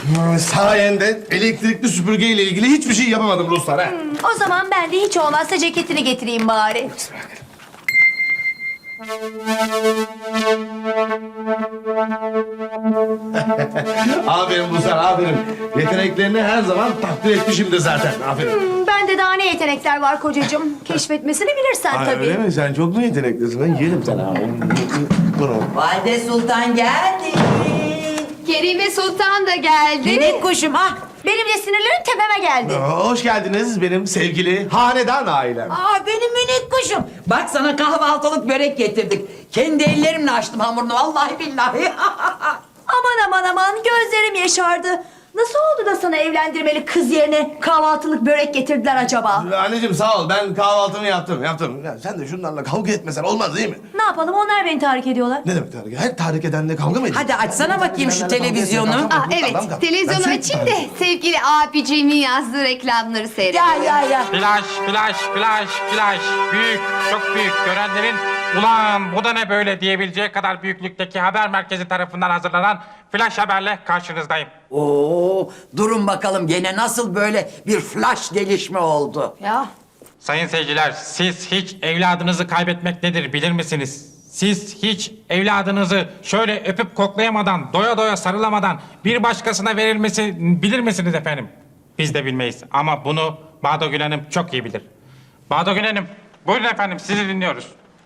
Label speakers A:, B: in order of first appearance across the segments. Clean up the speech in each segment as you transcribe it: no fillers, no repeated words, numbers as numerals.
A: Sayende elektrikli süpürgeyle ilgili hiçbir şey yapamadım Ruslar ha.
B: O zaman ben de hiç olmazsa ceketini getireyim bari.
A: Aferin Ruslar, aferin. Yeteneklerini her zaman takdir etmişimdir zaten. Aferin.
B: Bende daha ne yetenekler var kocacığım. Keşfetmesini bilirsen
A: Ay,
B: tabii.
A: öyle mi? Sen çok mu yeteneklisin? Ben yerim sana. Bunu.
C: Valide Sultan geldi.
B: Kerime Sultan da geldi.
C: Minik kuşum ah.
B: Benim de sinirlerim tepeme geldi.
A: Hoş geldiniz benim sevgili hanedan ailem.
C: Aa benim minik kuşum. Bak sana kahvaltılık börek getirdik. Kendi ellerimle açtım hamurunu vallahi billahi.
B: Aman gözlerim yaşardı. Nasıl oldu da sana evlendirmeli kız yerine kahvaltılık börek getirdiler acaba?
A: Anneciğim sağ ol. Ben kahvaltımı yaptım. Ya sen de şunlarla kavga etmesen olmaz değil mi?
B: Ne yapalım onlar beni tahrik ediyorlar.
A: Ne demek tahrik? Her tahrik edenle kavga mı ediyor?
C: Hadi açsana bakayım şu televizyonu.
B: Evet, televizyonu açayım da sevgili abiciğimin yazdığı reklamları seyredeyim.
C: Ya.
D: Flash, flash, flash, flash. Büyük, çok büyük. Görenlerin ulan bu da ne böyle diyebileceği kadar büyüklükteki haber merkezi tarafından hazırlanan flash haberle karşınızdayım.
C: Oo, durun bakalım gene nasıl böyle bir flash gelişme oldu?
B: Ya.
D: Sayın seyirciler, siz hiç evladınızı kaybetmek nedir bilir misiniz? Siz hiç evladınızı şöyle öpüp koklayamadan, doya doya sarılamadan bir başkasına verilmesi bilir misiniz efendim? Biz de bilmeyiz ama bunu Bağdo Gül Hanım çok iyi bilir. Bağdo Gül Hanım, buyurun efendim sizi dinliyoruz.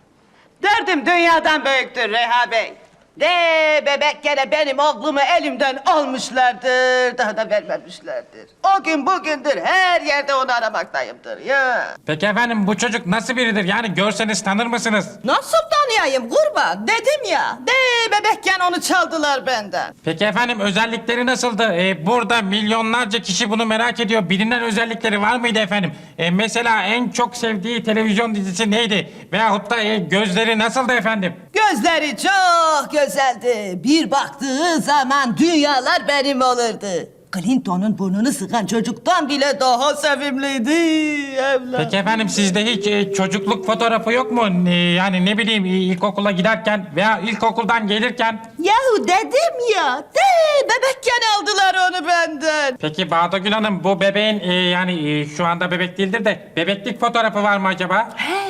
E: Derdim dünyadan büyüktür Reha Bey. De bebek gene benim oğlumu elimden almışlardır. Daha da vermemişlerdir. O gün bugündür her yerde onu aramaktayımdır ya.
D: Peki efendim bu çocuk nasıl biridir? Yani görseniz tanır mısınız?
E: Nasıl tanıyayım kurban? Dedim ya. De bebekken onu çaldılar benden.
D: Peki efendim özellikleri nasıldı? Burada milyonlarca kişi bunu merak ediyor. Bilinen özellikleri var mıydı efendim? Mesela en çok sevdiği televizyon dizisi neydi? Veyahut da gözleri nasıldı efendim?
E: Gözleri çok güzeldi. Bir baktığı zaman dünyalar benim olurdu. Clinton'un burnunu sıkan çocuktan bile daha sevimliydi evlat.
D: Peki efendim sizde hiç çocukluk fotoğrafı yok mu? Yani ne bileyim ilkokula giderken veya ilkokuldan gelirken.
E: Yahu dedim ya. De bebekken aldılar onu benden.
D: Peki Bağdo Gül Hanım bu bebeğin yani şu anda bebek değildir de bebeklik fotoğrafı var mı acaba?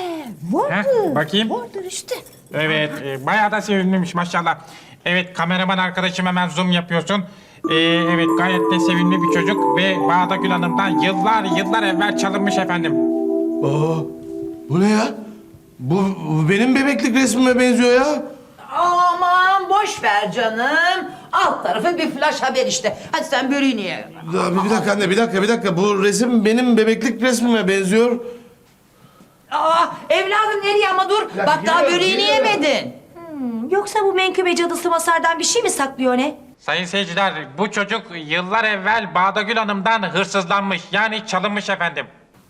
E: Vardır.
D: Bakayım.
E: Vardır işte.
D: Evet, bayağı da sevimliymiş maşallah. Evet, kameraman arkadaşım hemen zoom yapıyorsun. Evet, gayet de sevimli bir çocuk ve Bağda Gül Hanım'dan yıllar evvel çalınmış efendim.
A: Aa, bu ne ya? Bu benim bebeklik resmime benziyor ya.
C: Aman boş ver canım. Alt tarafı bir flash haber işte. Hadi sen böreğini ye.
A: Ya, bir dakika anne, bir dakika. Bu resim benim bebeklik resmime benziyor.
C: Aa evladım nereye ama dur. Bak daha
A: geliyorum,
C: böreğini
A: geliyorum.
C: yemedin.
B: Yoksa bu menkıbe cadısı Masar'dan bir şey mi saklıyor ne?
D: Sayın seyirciler, bu çocuk yıllar evvel Bağda Gül Hanım'dan hırsızlanmış. Yani çalınmış efendim.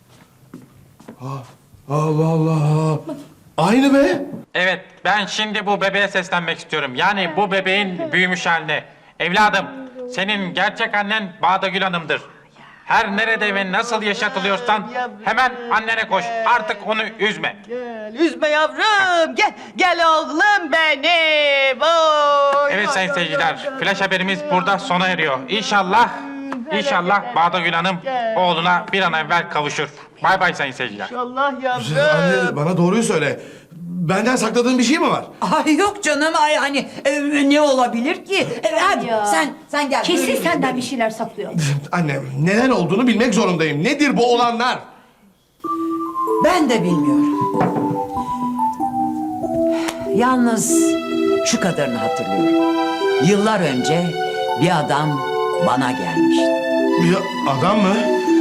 A: Allah Allah. Aynı be.
D: Evet, ben şimdi bu bebeğe seslenmek istiyorum. Yani bu bebeğin büyümüş haline. Evladım, senin gerçek annen Bağda Gül Hanım'dır. Her nerede ve nasıl yaşatılıyorsan hemen annene koş. Artık onu üzme.
E: Gel, üzme yavrum. Gel oğlum benim. Oy,
D: Evet
E: oy,
D: sayın
E: oy,
D: seyirciler,
E: oy, oy.
D: flash haberimiz burada sona eriyor. İnşallah Bağda Gül Hanım oğluna bir an evvel kavuşur. Bay bay sayın seyirciler.
E: Allah yavrum.
A: Anne bana doğruyu söyle. Benden sakladığın bir şey mi var?
C: Ay yok canım ay hani ne olabilir ki? Hadi
B: Ya.
C: sen gel.
B: Kesin
C: böreğini
B: senden
C: ye.
B: bir şeyler saklıyor.
A: Anne neden olduğunu bilmek zorundayım. Nedir bu olanlar?
C: Ben de bilmiyorum. Yalnız şu kadarını hatırlıyorum. Yıllar önce bir adam bana gelmişti.
A: Bir adam mı?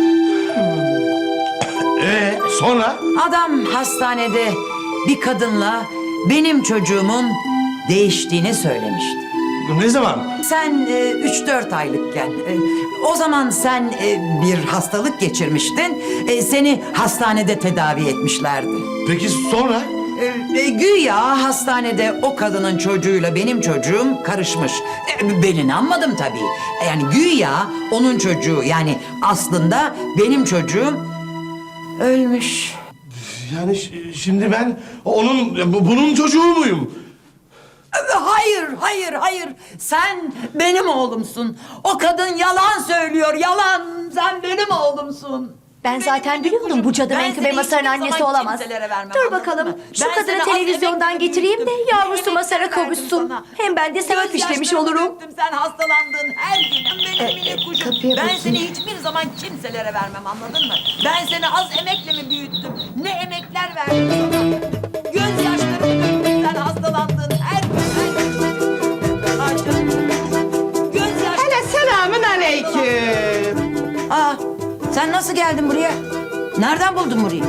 A: Sonra?
C: Adam hastanede bir kadınla benim çocuğumun değiştiğini söylemişti.
A: Ne zaman?
C: Sen 3-4 aylıkken, o zaman sen bir hastalık geçirmiştin. Seni hastanede tedavi etmişlerdi.
A: Peki sonra?
C: Güya hastanede o kadının çocuğuyla benim çocuğum karışmış. Ben inanmadım tabii. Yani güya onun çocuğu yani aslında benim çocuğum ölmüş.
A: Yani şimdi ben bunun çocuğu muyum?
C: Hayır, hayır, hayır. Sen benim oğlumsun. O kadın yalan söylüyor, yalan. Sen benim oğlumsun.
B: Ben zaten biliyordum bu cadı Menkıbe Masar'ın annesi olamaz. Dur bakalım şu kadını televizyondan getireyim de yavrusu Masar'a kavuşsun. Hem ben de sevap işlemiş olurum.
C: Sen hastalandın her gün. Benim minik kuşum.
B: kapıya
C: Ben
B: bakayım.
C: seni hiçbir zaman kimselere vermem, anladın mı? Ben seni az emekle mi büyüttüm? Ne emekler verdim sana? Gözyaşlarımı döktüm, sen hastalandın her gün. Ay canım. Gözyaşlarımı...
E: Hele selamün aleyküm.
C: Aa, sen nasıl geldin buraya? Nereden buldun burayı?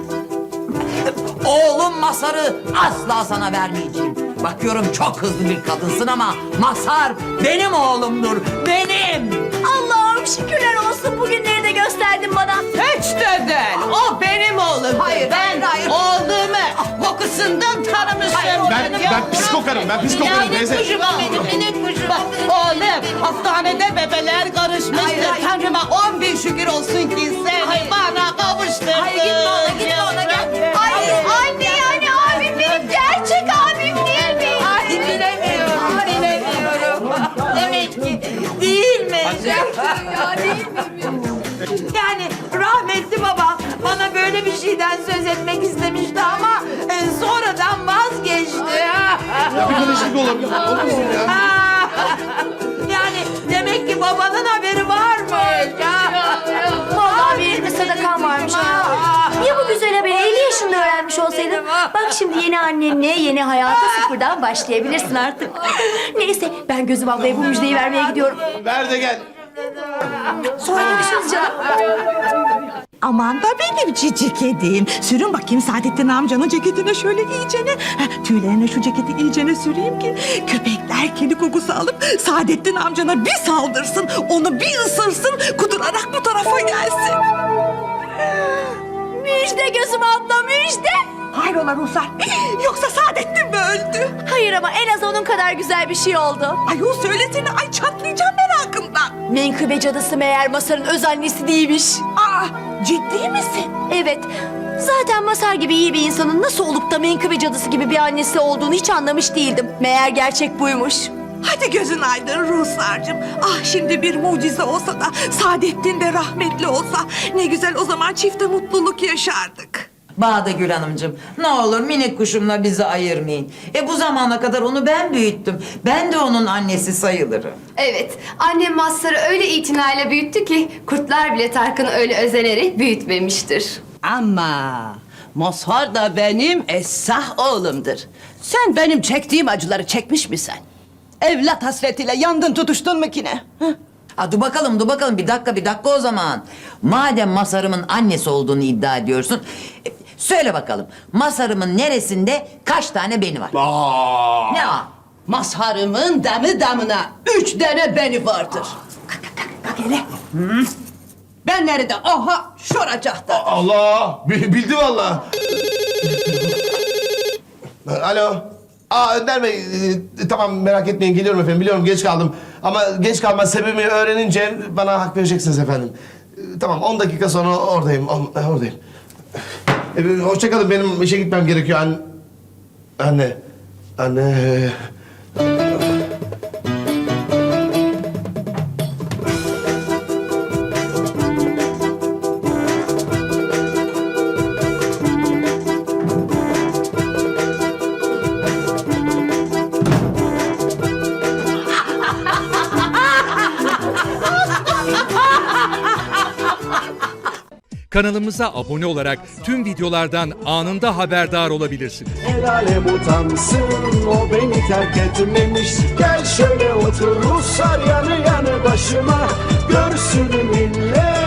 C: Oğlum Masar'ı asla sana vermeyeceğim. Bakıyorum çok hızlı bir kadınsın ama Masar benim oğlumdur. Benim.
B: Allah'ım şükürler olsun bugünleri de gösterdin bana.
E: Hiç de değil. O benim oğlum.
C: Hayır,
E: Ben
C: hayır.
E: oğlumu kokusundan tanımışım.
A: Ben psikokarım, ben psikokarım teyze.
C: Minik kuşum.
E: Bak oğlum hastanede bebeler karışmıştır.
C: Hayır, hayır.
E: Tanrıma 10 bin şükür olsun ki seni bana kavuşturdun.
C: Hayır, gitme ona, gitme ona, gel.
B: Ay anne yani abim benim gerçek abim değil mi?
C: Ay bilemiyorum, bilemiyorum. Demek ki değil mi?
B: Ya değil mi?
C: Yani rahmetli babam bana böyle bir şeyden söz etmek istemişti ama sonradan vazgeçti.
A: Bir karışıklık olabilir. Olmasın ya.
C: Yani demek ki babanın haberi varmış.
B: Vallahi benim de sadakam varmış ha. Ya bu güzel haberi 50 yaşında öğrenmiş olsaydın? Bak şimdi yeni annenle yeni hayata sıfırdan başlayabilirsin artık. Neyse ben Gözüm ablaya bu müjdeyi vermeye gidiyorum.
A: Ver de gel.
B: Sonra görüşürüz canım.
F: Aman da benim cici kedim. Sürün bakayım Saadettin amcanın ceketine şöyle iyicene. Tüylerine şu ceketi iyicene süreyim ki köpekler kedi kokusu alıp Saadettin amcana bir saldırsın. Onu bir ısırsın, kudurarak bu tarafa gelsin.
B: Müjde Gözüm abla müjde.
F: Hayrola Ruhsar? Yoksa Saadettin mi öldü?
B: Hayır ama en az onun kadar güzel bir şey oldu.
F: Ay o söylesene, ay çatlayacağım merakımdan.
B: Menkıbe cadısı meğer Masar'ın öz annesi değilmiş.
F: Aa, ciddi misin?
B: Evet. Zaten Masar gibi iyi bir insanın nasıl olup da Menkıbe cadısı gibi bir annesi olduğunu hiç anlamış değildim. Meğer gerçek buymuş.
F: Hadi gözün aydın Ruhsar'cığım. Ah şimdi bir mucize olsa da Saadettin de rahmetli olsa ne güzel, o zaman çifte mutluluk yaşardık.
C: Bağdagül Hanımcığım, ne olur minik kuşumla bizi ayırmayın. Bu zamana kadar onu ben büyüttüm. Ben de onun annesi sayılırım.
G: Evet, annem Mazhar'ı öyle itinayla büyüttü ki kurtlar bile Tarkan'ı öyle özenerek büyütmemiştir.
E: Ama Mazhar da benim esah oğlumdur. Sen benim çektiğim acıları çekmiş misin? Evlat hasretiyle yandın tutuştun mu ki ne? Hı?
C: Dur bakalım, dur bakalım. Bir dakika o zaman. Madem Masar'ımın annesi olduğunu iddia ediyorsun... söyle bakalım, Masar'ımın neresinde kaç tane beni var? Ne var?
E: Mazharımın damı damına 3 tane beni vardır.
C: Kalk hele.
E: Ben nerede? Aha şuracakta.
A: Allah! Bildi vallahi. Alo. Önder Bey, tamam merak etmeyin geliyorum efendim. Biliyorum geç kaldım. Ama geç kalma sebebini öğrenince bana hak vereceksiniz efendim. Tamam 10 dakika sonra oradayım. Oradayım. Hoşça kalın, benim işe gitmem gerekiyor. Anne.
H: Kanalımıza abone olarak tüm videolardan anında haberdar olabilirsiniz.
I: El alem utansın, o beni terk etmemiş. Gel şöyle otur Ruslar yanı yanı başıma. Görsün millet